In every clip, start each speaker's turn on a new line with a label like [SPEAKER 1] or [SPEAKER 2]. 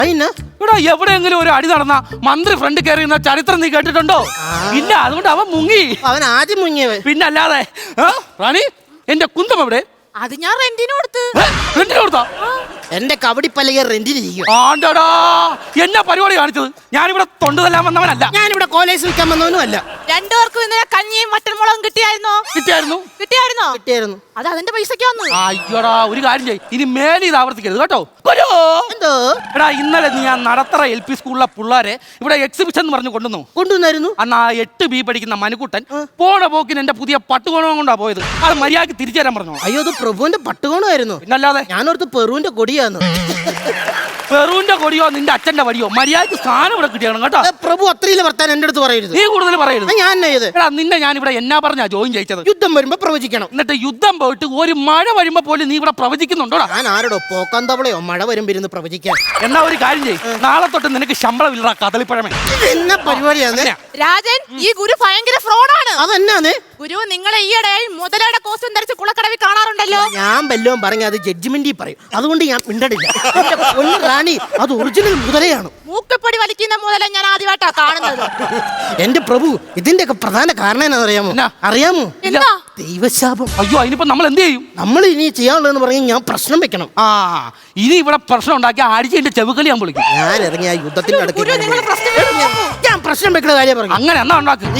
[SPEAKER 1] അതിന്
[SPEAKER 2] ഇവിടെ എവിടെയെങ്കിലും ഒരു അടി നടന്ന മന്ത്രി ഫ്രണ്ട് കയറിയുന്ന ചരിത്രം നീ കേട്ടിട്ടുണ്ടോ? ഇല്ല, അതുകൊണ്ട് അവൻ മുങ്ങി.
[SPEAKER 1] അവൻ ആദ്യം മുങ്ങിയവൻ.
[SPEAKER 2] പിന്നല്ലാതെ. റാണി, എന്റെ കുന്തം എവിടെ?
[SPEAKER 3] അത് ഞാൻ റെന്റിന് കൊടുത്ത്.
[SPEAKER 2] റെന്റിന് കൊടുത്താ?
[SPEAKER 1] എന്റെ കബഡിപ്പലകെ റെന്റിനിരിക്കും.
[SPEAKER 2] ആണ്ടടാ, എന്നാ പരിപാടി കാണിച്ചത്? ഞാനിവിടെ തൊണ്ടുതല്ലാൻ വന്നവനല്ല.
[SPEAKER 1] ഞാനിവിടെ കോളേജ് വിൽക്കാൻ വന്നവനും അല്ല.
[SPEAKER 3] രണ്ടുപേർക്കും ഇന്നലെ കഞ്ഞിയും മട്ടൻ മുളകും കിട്ടിയായിരുന്നോ?
[SPEAKER 1] കിട്ടിയായിരുന്നു.
[SPEAKER 3] അത് അതിന്റെ പൈസക്കാന്ന്.
[SPEAKER 2] അയ്യോടാ, ഒരു കാര്യം ചെയ്യ്, ഇനി മേലെ ഇത് ആവർത്തിക്കരുത് കേട്ടോ.
[SPEAKER 1] എന്തോ
[SPEAKER 2] എടാ, ഇന്നലെ നീ ആ നടത്തറ LP സ്കൂളിലെ പിള്ളേരെ ഇവിടെ എക്സിബിഷൻ എന്ന് പറഞ്ഞു
[SPEAKER 1] കൊണ്ടുവന്നായിരുന്നു.
[SPEAKER 2] അന്ന് ആ 8B പഠിക്കുന്ന മനുക്കുട്ടൻ പോണ പോക്കിന് എന്റെ പുതിയ പട്ടുകോണം കൊണ്ടാ പോയത്. അത് മര്യാദക്ക് തിരിച്ചു തരാൻ പറഞ്ഞു.
[SPEAKER 1] അയ്യോ, അത് പ്രഭുവിന്റെ പട്ടുകോണമായിരുന്നു.
[SPEAKER 2] പിന്നല്ലാതെ.
[SPEAKER 1] ഞാനോർത്ത് പെറുവിന്റെ കൊടിയാന്ന്.
[SPEAKER 2] പെറുവിന്റെ കൊടിയോ നിന്റെ അച്ഛന്റെ വടിയോ? മര്യാദക്ക് സ്ഥാനം ഇവിടെ കിട്ടിയാണ് കേട്ടോ.
[SPEAKER 1] പ്രഭു അത്രയില്ല വർത്താൻ എന്റെ അടുത്ത് പറയരുത്.
[SPEAKER 2] നീ കൂടുതൽ പറയരുത്.
[SPEAKER 1] ഞാൻ
[SPEAKER 2] എടാ, നിന്നെ ഞാൻ ഇവിടെ എന്നാ പറഞ്ഞാ ജോയിൻ ചെയ്യിച്ചത്?
[SPEAKER 1] യുദ്ധം വരുമ്പോ പ്രവചിക്കണം.
[SPEAKER 2] എന്നിട്ട് യുദ്ധം പോയിട്ട് ഒരു മഴ വരുമ്പോ പോലും നീ ഇവിടെ പ്രവചിക്കുന്നുണ്ടോടാ?
[SPEAKER 1] ഞാൻ ആരോടോ പോക്കാന്തവളയോ മഴ വരുമ്പോ ഇരുന്ന് പ്രവചിക്കാൻ.
[SPEAKER 2] എന്നാ ഒരു കാര്യം ചെയ്യ്, നാളെ തൊട്ട് നിനക്ക് ശമ്പളം ഇല്ലടാ കദളിപ്പഴമേ.
[SPEAKER 1] എന്നാ പരിപാടിയാണ്
[SPEAKER 3] രാജൻ? ഈ ഗുരു ഭയങ്കര ഫ്രോഡാണ്.
[SPEAKER 1] അതെന്നാണ്?
[SPEAKER 3] ഗുരു, നിങ്ങളെ ഈയിടെ മുതലയുടെ കോസ്റ്റ്യൂം ധരിച്ച് കുളക്കടവിൽ കാണാറുണ്ടല്ലോ.
[SPEAKER 1] ഞാൻ വല്ലതും പറഞ്ഞ അത് ജഡ്ജ്മെന്റിൽ പറയും. അതുകൊണ്ട് ഞാൻ മിണ്ടടില്ല. റാണി, അത് ഒറിജിനൽ മുതലയാണ്.
[SPEAKER 3] മൂക്കപ്പൊടി വലിക്കുന്ന മുതല ഞാൻ ആദ്യമായിട്ടാ കാണുന്നത്.
[SPEAKER 1] എന്റെ പ്രഭു, ഇതിന്റെ ഒക്കെ പ്രധാന കാരണം എന്നാ അറിയാമോ? അറിയാമോ?
[SPEAKER 3] എന്താ?
[SPEAKER 1] ദൈവശാപം.
[SPEAKER 2] അയ്യോ, അതിനിപ്പോ നമ്മൾ എന്ത് ചെയ്യും?
[SPEAKER 1] നമ്മൾ ഇനി ചെയ്യാനുള്ളതെന്ന് പറഞ്ഞാൽ ഞാൻ പ്രശ്നം വെക്കണം.
[SPEAKER 2] ഇനി ഇവിടെ പ്രശ്നം ഉണ്ടാക്കി അടിച്ചതിന്റെ ചെവുകളി ഞാൻ വിളിക്കും.
[SPEAKER 1] ഞാൻ ഇറങ്ങി ആ യുദ്ധത്തിന്റെ
[SPEAKER 3] ഗുരു, നിങ്ങൾ പ്രശ്നം വെക്കുന്നു.
[SPEAKER 1] ഞാൻ പ്രശ്നം വെക്കുന്ന കാര്യം പറഞ്ഞു.
[SPEAKER 2] അങ്ങനെ എന്നാ ഉണ്ടാക്കും?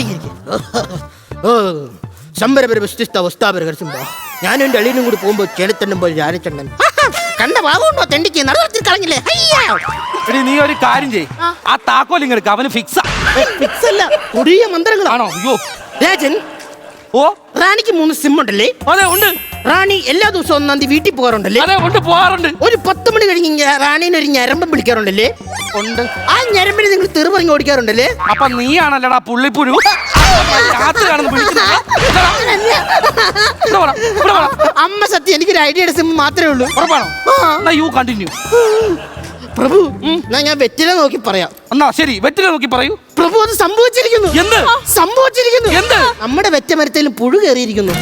[SPEAKER 1] ഞാനും എന്റെ അളിയനും കൂടി പോകുമ്പോ ചെളിത്തണ്ടും പോലെ രാജച്ചണ്ടൻ കണ്ട ഭാഗമുണ്ടോ? തെണ്ടിക്ക് നടത്തി കളഞ്ഞില്ലേ?
[SPEAKER 2] നീ ഒരു കാര്യം ചെയ്യ്, ആ താക്കോൽ ഇങ്ങെടുക്ക. അവന് ഫിക്സ്
[SPEAKER 1] അല്ല, കൊടിയ മന്ത്രങ്ങളാണോ?
[SPEAKER 2] അയ്യോ
[SPEAKER 1] രാജൻ,
[SPEAKER 2] ഓ
[SPEAKER 1] റാണിക്ക് 3 സിം ഉണ്ടല്ലേ?
[SPEAKER 2] അതെ ഉണ്ട്.
[SPEAKER 1] റാണി എല്ലാ ദിവസവും 1-ാം തീയതി വീട്ടിൽ പോകാറുണ്ടല്ലേ?
[SPEAKER 2] അതെ ഉണ്ട്, പോകാറുണ്ട്.
[SPEAKER 1] ഒരു 10 മണി കഴിഞ്ഞ് റാണീനെ ഒരു ഞരമ്പം വിളിക്കാറുണ്ടല്ലേ?
[SPEAKER 2] ഉണ്ട്.
[SPEAKER 1] ആ ഞരമ്പിന് നിങ്ങൾ തെറി പറഞ്ഞ് ഓടിക്കാറുണ്ടല്ലേ?
[SPEAKER 2] അപ്പൊ നീയാണല്ലടാ പുള്ളിപ്പുരു.
[SPEAKER 1] അമ്മ സത്യം, എനിക്കൊരു ഐഡിയയുടെ സിം മാത്രമേ ഉള്ളൂ.
[SPEAKER 2] ഉറപ്പാണോ? You continue.
[SPEAKER 1] പ്രഭു, ഞാൻ വെറ്റില നോക്കി പറയാം.
[SPEAKER 2] എന്നാ ശരി, വെറ്റില നോക്കി പറയൂ.
[SPEAKER 1] പ്രഭു, അത് സംഭവിച്ചിരിക്കുന്നു.
[SPEAKER 2] എന്ത്
[SPEAKER 1] സംഭവിച്ചിരിക്കുന്നു?
[SPEAKER 2] എന്ത്?
[SPEAKER 1] നമ്മുടെ വെറ്റമരത്തിലും പുഴു കയറിയിരിക്കുന്നു.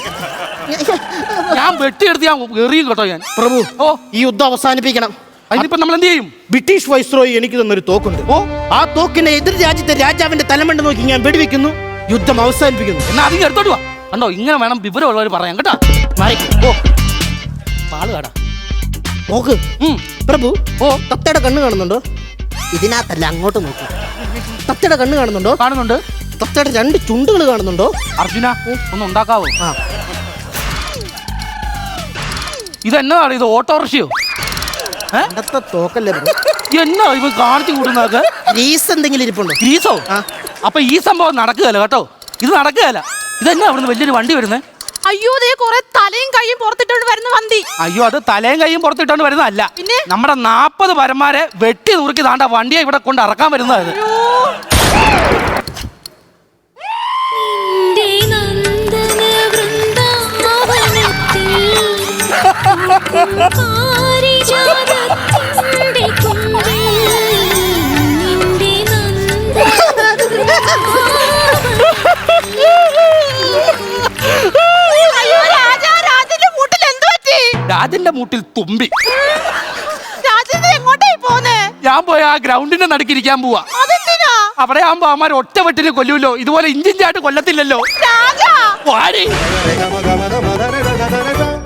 [SPEAKER 2] ഞാൻ വെട്ടിയെടുത്ത് ഞാൻ എറിയും കേട്ടോ. ഞാൻ
[SPEAKER 1] പ്രഭു,
[SPEAKER 2] ഓ,
[SPEAKER 1] ഈ യുദ്ധം അവസാനിപ്പിക്കണം.
[SPEAKER 2] അതിനിപ്പോ നമ്മൾ എന്ത് ചെയ്യും?
[SPEAKER 1] ബ്രിട്ടീഷ് വൈസ്രോയി എനിക്ക് തന്നൊരു തോക്കുണ്ട്. ആ തോക്കിന്റെ എതിർ രാജ്യത്തെ രാജാവിന്റെ തലമണ്ട നോക്കി ഞാൻ വെടിവെക്കുന്നു. യുദ്ധം അവസാനിപ്പിക്കുന്നു.
[SPEAKER 2] എന്നാ അധികം എടുത്തോട്ട് വാ. കണ്ടോ, ഇങ്ങനെ വേണം വിവരമുള്ളവർ പറയാൻ കേട്ടോ.
[SPEAKER 1] ഓ, പാള് കാടാ നോക്ക്. പ്രഭു, ഓ, തത്തയുടെ കണ്ണ് കാണുന്നുണ്ടോ? ഇതിനകത്തല്ല, അങ്ങോട്ട് നോക്കൂ. തത്തയുടെ കണ്ണ് കാണുന്നുണ്ടോ?
[SPEAKER 2] കാണുന്നുണ്ട്.
[SPEAKER 1] തത്തയുടെ 2 ചുണ്ടുകൾ കാണുന്നുണ്ടോ?
[SPEAKER 2] അർജുന, ഒന്ന് ഉണ്ടാക്കാവോ?
[SPEAKER 1] ആ,
[SPEAKER 2] ഇതെന്നതാണ്? ഇത് ഓട്ടോറിക്ഷയോ?
[SPEAKER 1] പണ്ടത്തെ തോക്കല്ലേ?
[SPEAKER 2] എന്നാ ഇവ കാണിച്ചു കൂടുന്നതൊക്കെ?
[SPEAKER 1] ഗ്രീസ് എന്തെങ്കിലും ഇരിപ്പുണ്ടോ?
[SPEAKER 2] ഗ്രീസോ? അപ്പൊ ഈ സംഭവം നടക്കുകയല്ല കേട്ടോ. ഇത് നടക്കുകയല്ല. ഇതെന്നാ അവിടുന്ന് വലിയൊരു വണ്ടി വരുന്നത്?
[SPEAKER 3] അയ്യോ, ദേ കുറെ തലയും കൈയും പുറത്തിട്ടോണ്ട് വരുന്ന വണ്ടി.
[SPEAKER 2] അയ്യോ, അത് തലയും കൈയും പുറത്തിട്ടോണ്ട് വരുന്നതല്ല.
[SPEAKER 3] പിന്നെ
[SPEAKER 2] നമ്മുടെ 40 പരന്മാരെ വെട്ടി നുറുക്കി താണ്ട വണ്ടിയെ ഇവിടെ കൊണ്ട് ഇറക്കാൻ വരുന്നത്. രാജന്റെ മൂട്ടിൽ തുമ്പി.
[SPEAKER 3] എങ്ങോട്ടായി പോന്നേ?
[SPEAKER 2] ഞാൻ പോയി ആ ഗ്രൗണ്ടിന്റെ നടുക്കിരിക്കാൻ പോവാ. അവിടെ ആകുമ്പോ അവന്മാർ ഒറ്റ വെട്ടിന് കൊല്ലൂല്ലോ. ഇതുപോലെ ഇഞ്ചിഞ്ചായിട്ട് കൊല്ലത്തില്ലല്ലോ.
[SPEAKER 3] രാജാ,
[SPEAKER 2] വാടി.